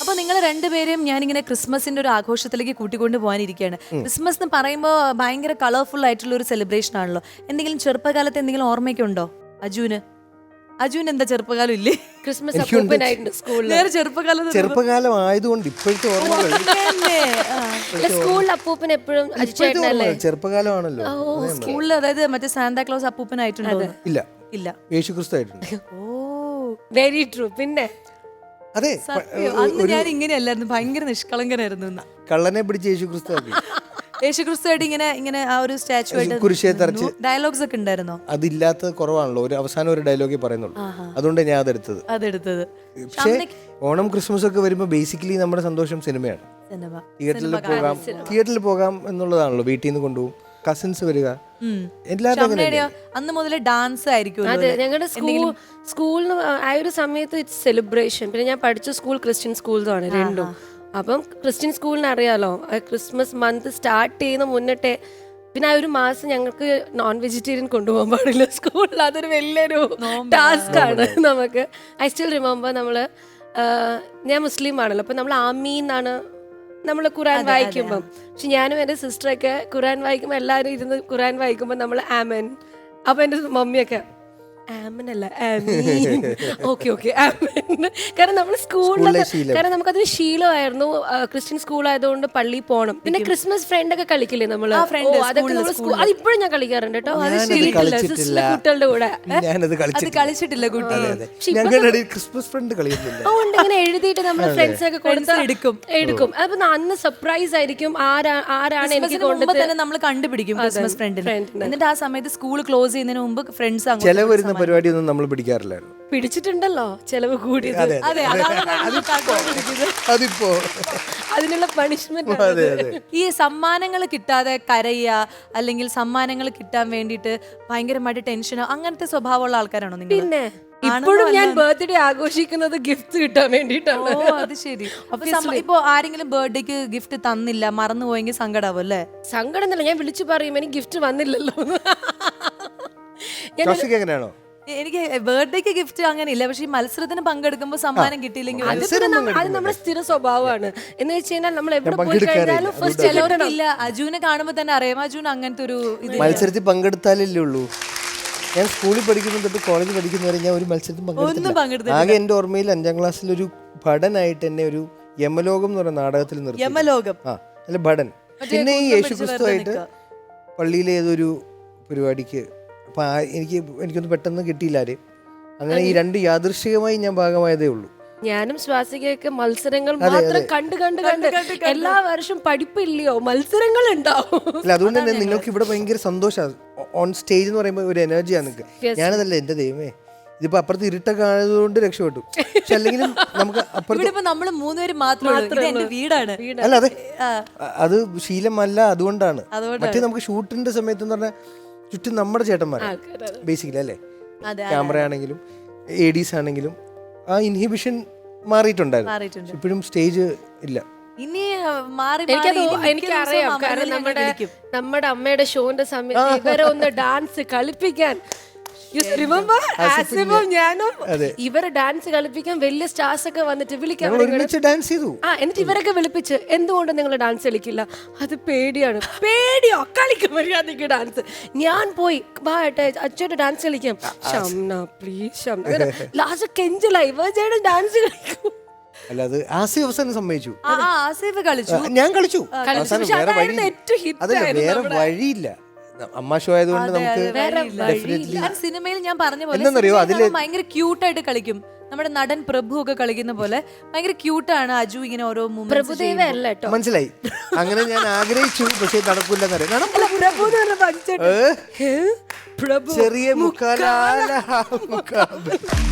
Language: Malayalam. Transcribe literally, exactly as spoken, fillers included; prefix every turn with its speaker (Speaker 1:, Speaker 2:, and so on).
Speaker 1: അപ്പൊ നിങ്ങൾ രണ്ടുപേരെയും ഞാനിങ്ങനെ ക്രിസ്മസിന്റെ ഒരു ആഘോഷത്തിലേക്ക് കൂട്ടിക്കൊണ്ട് പോകാനിരിക്കുകയാണ്. ക്രിസ്മസ് എന്ന് പറയുമ്പോൾ ഭയങ്കര കളർഫുൾ ആയിട്ടുള്ള ഒരു സെലിബ്രേഷൻ ആണല്ലോ. എന്തെങ്കിലും ചെറുപ്പകാലത്ത് എന്തെങ്കിലും ഓർമ്മയൊക്കെ ഉണ്ടോ അജുന്? അജുന് എന്താ ചെറുപ്പകാലം ഇല്ലേ?
Speaker 2: ക്രിസ്മസ് അപ്പൂപ്പനായിട്ടുണ്ട് സ്കൂളിൽ.
Speaker 1: വേറെ ചെറുപ്പകാലം
Speaker 3: ചെറുപ്പകാലം ആയതുകൊണ്ട് ഇപ്പോഴത്തെ ഓർമ്മകൾ
Speaker 2: സ്കൂളിൽ അപ്പൂപ്പൻ എപ്പോഴും അജിച്ചേട്ടനല്ലേ?
Speaker 3: ചെറുപ്പകാലമാണല്ലോ.
Speaker 1: സ്കൂളിൽ അതായത് മറ്റേ സാന്താക്ലോസ് അപ്പൂപ്പനായിട്ടുണ്ടോ?
Speaker 3: ഇല്ല
Speaker 1: ഇല്ല,
Speaker 3: യേശുക്രിസ്തു ആയിട്ടുണ്ട്.
Speaker 1: Oh
Speaker 2: very true. പിന്നെ
Speaker 3: അതെ,
Speaker 1: അന്ന് ഞാൻ ഇങ്ങനെയല്ലായിരുന്നു, ഭയങ്കര നിഷ്കളങ്കനായിരുന്നു.
Speaker 3: കള്ളനെ പിടിച്ച് യേശുക്രിസ്തു ആക്കി.
Speaker 1: യേശുക്രിസ്തുവായിട്ട് ഇങ്ങനെ ഇങ്ങനെ ആ ഒരു സ്റ്റാച്ചു ആയിട്ട്
Speaker 3: കുരിശേ തറച്ച്
Speaker 1: ഡയലോഗ്സ് ഒക്കെ ഉണ്ടായിരുന്നോ?
Speaker 3: അതില്ലാത്ത കുറവാണല്ലോ, ഒരു അവസാനം ഒരു ഡയലോഗേ പറയുന്നുള്ളൂ. അതുകൊണ്ട് ഞാൻ അതെടുത്തത്.
Speaker 1: അതെടുത്തത്
Speaker 3: പക്ഷേ ഓണം ക്രിസ്മസ് ഒക്കെ വരുമ്പോൾ ബേസിക്കലി നമ്മുടെ സന്തോഷം സിനിമയാണ്. തിയേറ്ററിൽ പോകാം തിയേറ്ററിൽ പോകാം എന്നുള്ളതാണല്ലോ. വീട്ടിൽ നിന്ന് കൊണ്ടുപോകും, കസിൻസ് വരിക, എല്ലാവരും.
Speaker 1: അന്ന് മുതൽ ഡാൻസ് ആയിരിക്കും.
Speaker 2: അതെ, ഞങ്ങളുടെ സ്കൂൾ സ്കൂളിന് ആ ഒരു സമയത്ത് ഇറ്റ്സ് സെലിബ്രേഷൻ. പിന്നെ ഞാൻ പഠിച്ച സ്കൂൾ ക്രിസ്ത്യൻ സ്കൂൾസാണ് രണ്ടും. അപ്പം ക്രിസ്ത്യൻ സ്കൂളിന് അറിയാലോ, ക്രിസ്മസ് മന്ത് സ്റ്റാർട്ട് ചെയ്യുന്ന മുന്നിട്ടേ പിന്നെ ആ ഒരു മാസം ഞങ്ങൾക്ക് നോൺ വെജിറ്റേറിയൻ കൊണ്ടുപോകാൻ പാടില്ല സ്കൂളിൽ. അതൊരു വലിയൊരു ടാസ്ക് ആണ് നമുക്ക്. ഐ സ്റ്റിൽ റിമെമ്പർ, നമ്മള് ഞാൻ മുസ്ലിം ആണല്ലോ, അപ്പൊ നമ്മൾ ആമീൻ എന്നാണ് നമ്മൾ ഖുറാൻ വായിക്കുമ്പം. പക്ഷെ ഞാനും എൻ്റെ സിസ്റ്ററൊക്കെ ഖുറാൻ വായിക്കുമ്പോൾ എല്ലാവരും ഇരുന്ന് ഖുറാൻ വായിക്കുമ്പോൾ നമ്മൾ ആമൻ. അപ്പൊ എൻ്റെ മമ്മിയൊക്കെ ആമനല്ല ആമീൻ, ഓക്കെ ഓക്കെ ആമൻ. കാരണം നമ്മൾ സ്കൂളിൽ, കാരണം നമുക്കതൊരു ശീലമായിരുന്നു. ക്രിസ്ത്യൻ സ്കൂൾ ആയതുകൊണ്ട് പള്ളിയിൽ പോകണം. പിന്നെ ക്രിസ്മസ് ഫ്രണ്ട് ഒക്കെ കളിക്കില്ലേ നമ്മള്, അതൊക്കെ നമ്മൾ അതിപ്പോഴും ഞാൻ കളിക്കാറുണ്ട് കേട്ടോ. അത് ശീലിട്ടില്ല സിസ്റ്റർ കുട്ടികളുടെ കൂടെ.
Speaker 1: കളിച്ചിട്ടില്ല കുട്ടി.
Speaker 3: ക്രിസ്മസ് ഫ്രണ്ട് കളിക്കുന്നില്ല.
Speaker 2: അതുകൊണ്ട് ഇങ്ങനെ എഴുതിയിട്ട് നമ്മുടെ ഫ്രണ്ട്സ് ഒക്കെ കൊടുത്ത് എടുക്കും എടുക്കും അപ്പൊ അന്ന് സർപ്രൈസ് ആയിരിക്കും ആരാ ആരാണ് എനിക്ക് കൊണ്ടുതന്നെ
Speaker 1: നമ്മൾ കണ്ടുപിടിക്കും ക്രിസ്മസ് ഫ്രണ്ടിന്. എന്നിട്ട് ആ സമയത്ത് സ്കൂൾ ക്ലോസ് ചെയ്യുന്നതിന് മുമ്പ് ഫ്രണ്ട്സ്
Speaker 3: ചെലവ് പരിപാടിയൊന്നും നമ്മൾ പിടിക്കാറില്ലായിരുന്നു.
Speaker 2: പിടിച്ചിട്ടുണ്ടല്ലോ ചെലവ് കൂടി.
Speaker 3: അതിപ്പോ
Speaker 2: അതിനുള്ള പണിഷ്മെന്റ്.
Speaker 1: ഈ സമ്മാനങ്ങൾ കിട്ടാതെ കരയുക, അല്ലെങ്കിൽ സമ്മാനങ്ങൾ കിട്ടാൻ വേണ്ടിയിട്ട് ഭയങ്കരമായിട്ട് ടെൻഷനോ അങ്ങനത്തെ സ്വഭാവമുള്ള ആൾക്കാരാണോ നിങ്ങൾ?
Speaker 2: പിന്നെ ഇപ്പോഴും ഞാൻ ബർത്ത്ഡേ ആഘോഷിക്കുന്നത് ഗിഫ്റ്റ് കിട്ടാൻ വേണ്ടിയിട്ടാണ്.
Speaker 1: ഓ അത് ശരി. അപ്പൊ ഇപ്പൊ ആരെങ്കിലും ബർത്ത്ഡേക്ക് ഗിഫ്റ്റ് തന്നില്ല, മറന്നു പോയെങ്കിൽ സങ്കടാവും അല്ലേ?
Speaker 2: സങ്കടം എന്നല്ല, ഞാൻ വിളിച്ചു പറയും എനിക്ക് ഗിഫ്റ്റ് വന്നില്ലല്ലോ.
Speaker 3: എങ്ങനെയാണോ?
Speaker 1: എനിക്ക് ബർത്ത്ഡേക്ക് ഗിഫ്റ്റ് അങ്ങനെ ഇല്ല, പക്ഷെ ഈ മത്സരത്തിന് പങ്കെടുക്കുമ്പോൾ സമ്മാനം കിട്ടിയില്ലെങ്കിൽ
Speaker 2: അത് നമ്മുടെ സ്ഥിര സ്വഭാവമാണ്. എന്ന് വെച്ച് കഴിഞ്ഞാൽ നമ്മൾ എവിടെ പോയി കഴിഞ്ഞാലും ഫസ്റ്റ്
Speaker 1: ചിലവർക്കില്ല. അജുനെ കാണുമ്പോൾ തന്നെ അറിയാം അജുൻ അങ്ങനത്തെ ഒരു
Speaker 3: മത്സരത്തിൽ പങ്കെടുത്താലല്ലേ ഉള്ളൂ. ഞാൻ സ്കൂളിൽ പഠിക്കുന്ന തൊട്ട് കോളേജ് പഠിക്കുന്നവരെ ഞാൻ ഒരു മത്സരത്തിൽ പങ്കെടുത്തില്ല. ആകെ എന്റെ ഓർമ്മയിൽ അഞ്ചാം ക്ലാസ്സിൽ ഒരു ഭടനായിട്ട് എന്നെ ഒരു യമലോകം എന്ന് പറയുന്ന നാടകത്തിൽ നിർത്തി.
Speaker 1: യമലോകം
Speaker 3: ആ അല്ല ഭടൻ. പിന്നെ ഈ യേശുക്രിസ്തുവായിട്ട് പള്ളിയിലെ ഏതൊരു പരിപാടിക്ക് അപ്പൊ എനിക്ക് എനിക്കൊന്നും പെട്ടെന്ന് കിട്ടിയില്ല ആരെയും. അങ്ങനെ ഈ രണ്ട് യാദൃശ്ചികമായി ഞാൻ ഭാഗമായതേ ഉള്ളൂ.
Speaker 2: ഞാനും ശ്വാസികയൊക്കെ മത്സരങ്ങൾ മാത്രം കണ്ട് കണ്ട് കണ്ട് എല്ലാ വർഷവും പഠിപ്പില്ലയോ മത്സരങ്ങൾ ഉണ്ടാവും.
Speaker 3: അല്ല അതുകൊണ്ട് തന്നെ നിങ്ങൾക്ക് ഇവിടെ ഭയങ്കര സന്തോഷമാണ്. ഓൺ സ്റ്റേജ് എന്ന് പറയുമ്പോൾ ഒരു എനർജിയാണ് നിങ്ങൾക്ക്. ഞാനതല്ല, എന്റെ ദൈവമേ, ഇതിപ്പോ അപ്പുറത്ത് ഇരുട്ടൊക്കെ ആയതുകൊണ്ട് രക്ഷപ്പെട്ടു. പക്ഷെ അല്ലെങ്കിലും നമുക്ക് അപ്പുറത്ത്
Speaker 1: നമ്മള് മൂന്നുപേര് മാത്രമേ വീടാണ്.
Speaker 3: അല്ല അതെ, അത് ശീലമല്ല, അതുകൊണ്ടാണ്. മറ്റേ നമുക്ക് ഷൂട്ടിന്റെ സമയത്ത് എന്ന് പറഞ്ഞാൽ ചുറ്റും നമ്മുടെ ചേട്ടന്മാരാണ് ബേസിക്കലി അല്ലേ. ക്യാമറ ആണെങ്കിലും എ ഡീസ് ആണെങ്കിലും ആ ഇൻഹിബിഷൻ മാറിയിട്ടുണ്ടായിരുന്നു. ഇപ്പോഴും സ്റ്റേജ് ഇല്ല.
Speaker 1: ഇനി മാറി
Speaker 2: എനിക്കറിയാം, കാരണം നമ്മുടെ നമ്മുടെ അമ്മയുടെ ഷോന്റെ സമയത്ത് ഇവരെ ഒന്ന് ഡാൻസ് കളിപ്പിക്കാൻ ഞാനും ഇവരെ ഡാൻസ് കളിപ്പിക്കാൻ വലിയ സ്റ്റാർസ് ഒക്കെ വന്നിട്ട് വിളിക്കാൻ
Speaker 3: ഡാൻസ് ചെയ്തു.
Speaker 2: ആ എന്നിട്ട് ഇവരൊക്കെ വിളിപ്പിച്ച് എന്തുകൊണ്ട് നിങ്ങൾ ഡാൻസ് കളിക്കില്ല? അത് പേടിയാണ്. പേടിയോ? കളിക്കും മര്യാദക്ക് ഡാൻസ്. ഞാൻ പോയി വാട്ടെ അച്ഛയുടെ ഡാൻസ് കളിക്കാം. ഷംന പ്ലീസ് ഷംന ലാസ്റ്റ് കെഞ്ചലായി ഇവരുടെ ഡാൻസ് കളിക്കും.
Speaker 3: അല്ല അത് ആസിഫ് അവസാനം സമ്മതിച്ചു.
Speaker 1: ഞാൻ
Speaker 3: കളിച്ചു. അതല്ല വേറെ വഴിയില്ല. അമ്മ ഷോ ആയതുകൊണ്ട് നമുക്ക്
Speaker 1: സിനിമയിൽ ഞാൻ പറഞ്ഞ പോലെ ഭയങ്കര ക്യൂട്ടായിട്ട് കളിക്കും. നമ്മുടെ നടൻ പ്രഭു ഒക്കെ കളിക്കുന്ന പോലെ ഭയങ്കര ക്യൂട്ടാണ് അജു. ഇങ്ങനെ ഓരോ
Speaker 3: മനസ്സിലായി. അങ്ങനെ ഞാൻ ആഗ്രഹിച്ചു, പക്ഷെ നടക്കില്ല. ചെറിയ മുക്കാല